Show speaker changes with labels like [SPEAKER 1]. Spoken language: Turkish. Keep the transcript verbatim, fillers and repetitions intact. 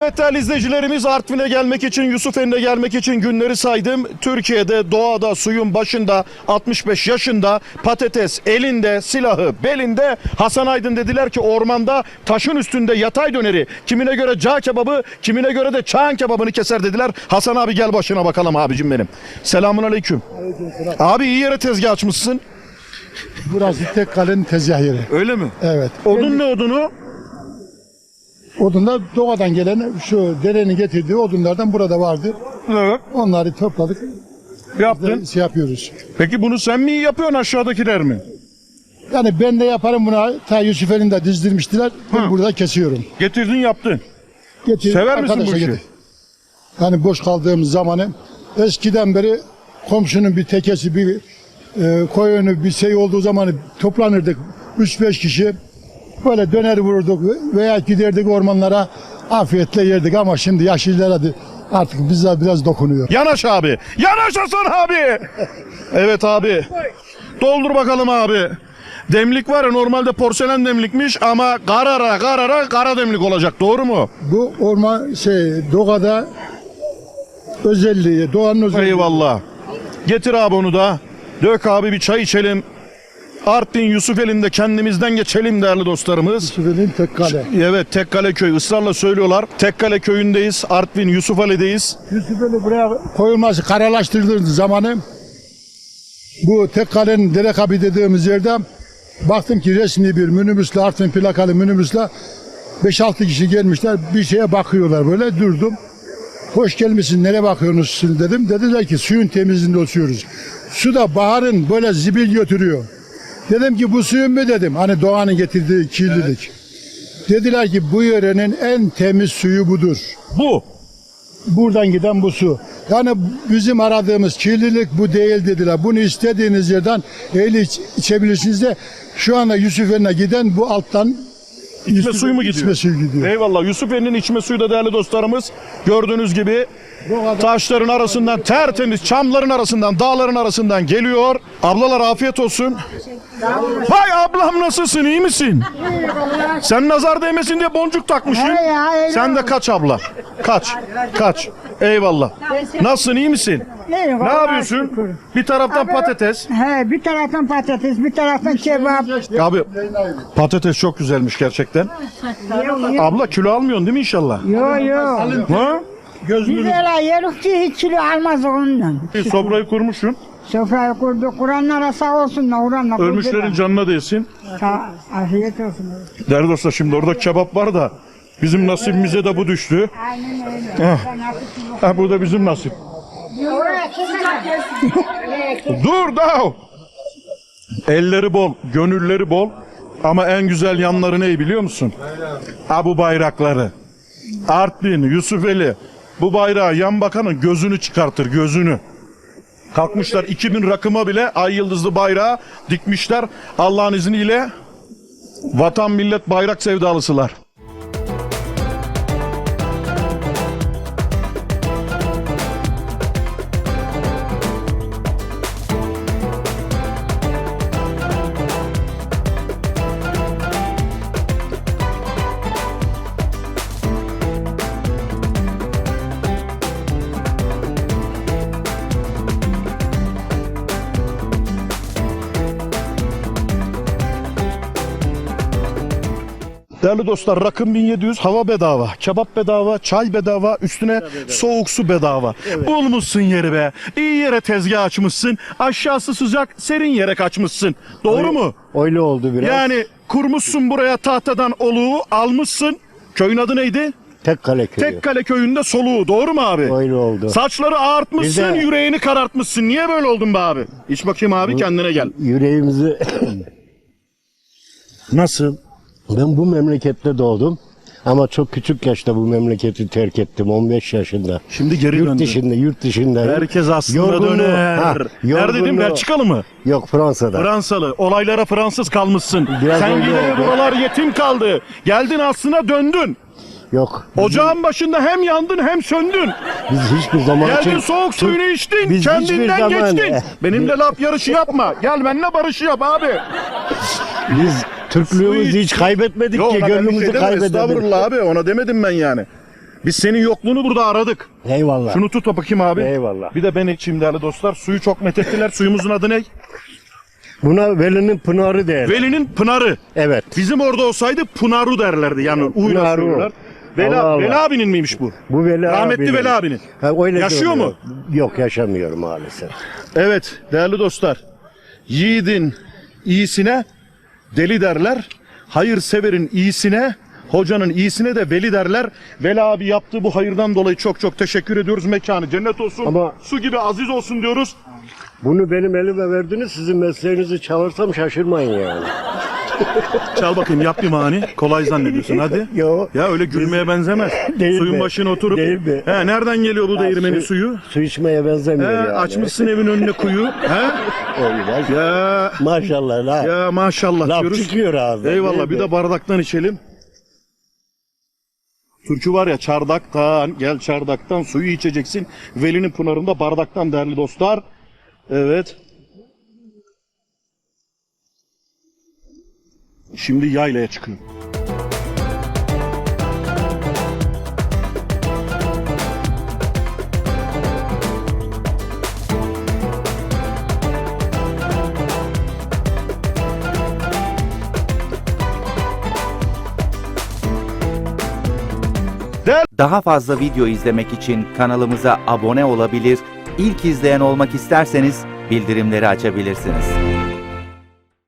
[SPEAKER 1] Evet değerli izleyicilerimiz, Artvin'e gelmek için, Yusufeli'ne gelmek için günleri saydım. Türkiye'de doğada suyun başında altmış beş yaşında, patates elinde, silahı belinde, Hasan Aydın dediler ki ormanda taşın üstünde yatay döneri, kimine göre cağ kebabı, kimine göre de çağın kebabını keser dediler. Hasan abi gel başına bakalım abicim benim. Selamun aleyküm.
[SPEAKER 2] Aleykümselam.
[SPEAKER 1] Abi iyi yere tezgah açmışsın.
[SPEAKER 2] Burası Tekkale'nin tezgah yeri.
[SPEAKER 1] Öyle mi?
[SPEAKER 2] Evet.
[SPEAKER 1] Odun ne odunu?
[SPEAKER 2] Odunlar doğadan gelen şu derenin getirdiği odunlardan burada vardı.
[SPEAKER 1] Evet.
[SPEAKER 2] Onları topladık.
[SPEAKER 1] Yaptın.
[SPEAKER 2] Şey yapıyoruz.
[SPEAKER 1] Peki bunu sen mi yapıyorsun, aşağıdakiler mi?
[SPEAKER 2] Yani ben de yaparım bunu. Ta Yusufeli'nin de dizdirmiştiler. Ben
[SPEAKER 1] Hı.
[SPEAKER 2] burada kesiyorum.
[SPEAKER 1] Getirdin yaptın.
[SPEAKER 2] Getir,
[SPEAKER 1] Sever misin bu
[SPEAKER 2] arkadaşa
[SPEAKER 1] işi?
[SPEAKER 2] getir. Yani boş kaldığımız zamanı eskiden beri komşunun bir tekesi, bir e, koyunu, bir şey olduğu zaman toplanırdık. üç beş kişi böyle döner vururduk veya giderdik ormanlara, afiyetle yerdik ama şimdi yaşlılara da artık bize biraz dokunuyor.
[SPEAKER 1] Yanaş abi. Yanaş Hasan abi. Evet abi. Doldur bakalım abi. Demlik var ya, normalde porselen demlikmiş ama karara karara kara demlik olacak, doğru mu?
[SPEAKER 2] Bu orman şey doğada özelliği, doğanın özelliği.
[SPEAKER 1] Eyvallah. Getir abi onu da. Dök abi, bir çay içelim. Artvin Yusufeli'nde kendimizden geçelim değerli dostlarımız.
[SPEAKER 2] Yusufeli'nin Tekkale.
[SPEAKER 1] Evet, Tekkale Köyü ısrarla söylüyorlar. Tekkale Köyü'ndeyiz. Artvin Yusufeli'deyiz.
[SPEAKER 2] Yusufeli buraya koyulması, karalaştırıldığı zamanı bu Tekkale'nin Derekabi dediğimiz yerde baktım ki resmi bir minibüsle, Artvin plakalı minibüsle beş altı kişi gelmişler, bir şeye bakıyorlar, böyle durdum. Hoş gelmişsin, nereye bakıyorsunuz siz dedim. Dediler ki suyun temizliğinde oturuyoruz. Su da baharın böyle zibil götürüyor. Dedim ki bu suyun mu dedim, hani doğanın getirdiği kirlilik. Evet. Dediler ki bu yörenin en temiz suyu budur.
[SPEAKER 1] Bu.
[SPEAKER 2] Buradan giden bu su. Yani bizim aradığımız kirlilik bu değil dediler. Bunu istediğiniz yerden eğil iç, içebilirsiniz de şu anda Yusufeli'ne giden bu alttan
[SPEAKER 1] İçme suyu mu gidiyor?
[SPEAKER 2] İçme suyu gidiyor.
[SPEAKER 1] Eyvallah. Yusufeli'nin içme suyu da değerli dostlarımız gördüğünüz gibi taşların arasından, tertemiz çamların arasından, dağların arasından geliyor. Ablalar afiyet olsun. Vay ablam, nasılsın, iyi misin? Sen nazar değmesin diye boncuk takmışsın. Sen de kaç abla. Kaç. Kaç. Eyvallah. Nasılsın, iyi misin?
[SPEAKER 3] İyi,
[SPEAKER 1] Ne
[SPEAKER 3] vallahi
[SPEAKER 1] yapıyorsun?
[SPEAKER 3] şükür.
[SPEAKER 1] Bir taraftan
[SPEAKER 3] Abi,
[SPEAKER 1] patates.
[SPEAKER 3] He, bir taraftan patates, bir taraftan kebap.
[SPEAKER 1] Abi patates çok güzelmiş gerçekten. Abla kilo almıyorsun değil mi inşallah?
[SPEAKER 3] Yo yo.
[SPEAKER 1] Ha?
[SPEAKER 3] Biz öyle yeriz ki hiç kilo almaz ondan.
[SPEAKER 1] Bir sofrayı kurmuşsun.
[SPEAKER 3] Sofrayı kurduk, Kur'anlara sağ olsunlar, Kur'anla kurduk.
[SPEAKER 1] Ölmüşlerin canına değsin.
[SPEAKER 3] Sağ, afiyet olsun.
[SPEAKER 1] Değerli dostlar, şimdi orada kebap var da bizim nasibimize de bu düştü.
[SPEAKER 3] Aynen öyle.
[SPEAKER 1] Ha, bu da bizim nasip. Dur da. Elleri bol, gönülleri bol. Ama en güzel yanları ne biliyor musun? Ha, bu bayrakları. Artvin, Yusufeli. Bu bayrağı yan bakanın gözünü çıkartır, gözünü. Kalkmışlar iki bin rakıma bile ay yıldızlı bayrağı dikmişler. Allah'ın izniyle vatan millet bayrak sevdalısılar. Değerli dostlar, rakım bin yedi yüz, hava bedava, kebap bedava, çay bedava, üstüne soğuk su bedava. Evet. Bulmuşsun yeri be. İyi yere tezgah açmışsın. Aşağısı sıcak, serin yere kaçmışsın. Doğru
[SPEAKER 4] öyle,
[SPEAKER 1] mu?
[SPEAKER 4] Öyle oldu biraz.
[SPEAKER 1] Yani kurmuşsun buraya tahtadan oluğu, almışsın. Köyün adı neydi?
[SPEAKER 4] Tekkale köyü.
[SPEAKER 1] Tekkale köyünde soluğu. Doğru mu abi?
[SPEAKER 4] Öyle oldu.
[SPEAKER 1] Saçları ağartmışsın,
[SPEAKER 4] Bir de-
[SPEAKER 1] yüreğini karartmışsın. Niye böyle oldun be abi? İç bakayım abi, kendine gel.
[SPEAKER 4] Yüreğimizi...
[SPEAKER 1] Nasıl?
[SPEAKER 4] Ben bu memlekette doğdum. Ama çok küçük yaşta bu memleketi terk ettim. on beş yaşında.
[SPEAKER 1] Şimdi geri
[SPEAKER 4] Yurt
[SPEAKER 1] döndün.
[SPEAKER 4] dışında, yurt dışında.
[SPEAKER 1] Herkes aslında
[SPEAKER 4] Yorgunluğu-
[SPEAKER 1] döner.
[SPEAKER 4] Ha,
[SPEAKER 1] Nerede dedim,
[SPEAKER 4] yorgunluğu-
[SPEAKER 1] Belçikalı mı?
[SPEAKER 4] Yok, Fransa'da.
[SPEAKER 1] Fransalı. Olaylara Fransız kalmışsın.
[SPEAKER 4] Biraz
[SPEAKER 1] Sen
[SPEAKER 4] öyle
[SPEAKER 1] gideli
[SPEAKER 4] oldu.
[SPEAKER 1] buralar yetim kaldı. Geldin aslına döndün.
[SPEAKER 4] Yok.
[SPEAKER 1] Ocağın başında hem yandın hem söndün.
[SPEAKER 4] Biz hiçbir zaman
[SPEAKER 1] Geldin,
[SPEAKER 4] için...
[SPEAKER 1] soğuk suyunu içtin.
[SPEAKER 4] Biz hiçbir
[SPEAKER 1] Kendinden
[SPEAKER 4] zaman-
[SPEAKER 1] geçtin.
[SPEAKER 4] Eh,
[SPEAKER 1] Benimle laf yarışı yapma. Gel benimle barışı yap abi.
[SPEAKER 4] Biz Türklüğümüzü hiç kaybetmedik
[SPEAKER 1] Yok,
[SPEAKER 4] ki.
[SPEAKER 1] ona ben bir şey
[SPEAKER 4] Gönlümüzü
[SPEAKER 1] demedim.
[SPEAKER 4] kaybedemedik.
[SPEAKER 1] Estağfurullah abi, ona demedim ben yani. Biz senin yokluğunu burada aradık.
[SPEAKER 4] Eyvallah.
[SPEAKER 1] Şunu tut bakayım abi.
[SPEAKER 4] Eyvallah.
[SPEAKER 1] Bir de ben içeyim değerli dostlar. Suyu çok methettiler. Suyumuzun adı ne?
[SPEAKER 4] Buna Veli'nin Pınarı der.
[SPEAKER 1] Veli'nin Pınarı.
[SPEAKER 4] Evet.
[SPEAKER 1] Bizim orada olsaydı Pınaru derlerdi. Yani uyla
[SPEAKER 4] Pınaru.
[SPEAKER 1] söylüyorlar. Veli,
[SPEAKER 4] Allah Allah.
[SPEAKER 1] Veli abinin miymiş bu?
[SPEAKER 4] Bu Veli
[SPEAKER 1] Rahmetli
[SPEAKER 4] abinin.
[SPEAKER 1] Veli abinin.
[SPEAKER 4] Ha, öyle
[SPEAKER 1] Yaşıyor
[SPEAKER 4] diyorlar.
[SPEAKER 1] mu?
[SPEAKER 4] Yok, yaşamıyor maalesef.
[SPEAKER 1] Evet değerli dostlar. Yiğidin iyisine deli derler. Hayırseverin iyisine, hocanın iyisine de veli derler. Veli abi yaptığı bu hayırdan dolayı çok çok teşekkür ediyoruz. Mekanı cennet olsun.
[SPEAKER 4] Ama-
[SPEAKER 1] su gibi aziz olsun diyoruz.
[SPEAKER 4] Bunu benim elime verdiniz, sizin mesleğinizi çalırsam şaşırmayın yani.
[SPEAKER 1] Çal bakayım yap bir mani. Kolay zannediyorsun hadi.
[SPEAKER 4] Yo.
[SPEAKER 1] Ya öyle gülmeye benzemez.
[SPEAKER 4] Değil
[SPEAKER 1] Suyun
[SPEAKER 4] mi?
[SPEAKER 1] başına oturup.
[SPEAKER 4] Değil mi?
[SPEAKER 1] He, nereden geliyor bu değirmenin
[SPEAKER 4] su-
[SPEAKER 1] suyu?
[SPEAKER 4] Su içmeye benzemiyor
[SPEAKER 1] He,
[SPEAKER 4] yani.
[SPEAKER 1] açmışsın evin önüne kuyu. He?
[SPEAKER 4] Öyle.
[SPEAKER 1] Ya
[SPEAKER 4] Maşallah la.
[SPEAKER 1] ya maşallah
[SPEAKER 4] Laf
[SPEAKER 1] diyoruz.
[SPEAKER 4] çıkıyor ağzından.
[SPEAKER 1] Eyvallah
[SPEAKER 4] değil
[SPEAKER 1] bir
[SPEAKER 4] mi?
[SPEAKER 1] de bardaktan içelim. Türkü var ya çardaktan gel çardaktan suyu içeceksin. Veli'nin pınarında bardaktan değerli dostlar. Evet. Şimdi yaylaya çıkıyor.
[SPEAKER 5] Daha fazla video izlemek için kanalımıza abone olabilir, ilk izleyen olmak isterseniz bildirimleri açabilirsiniz.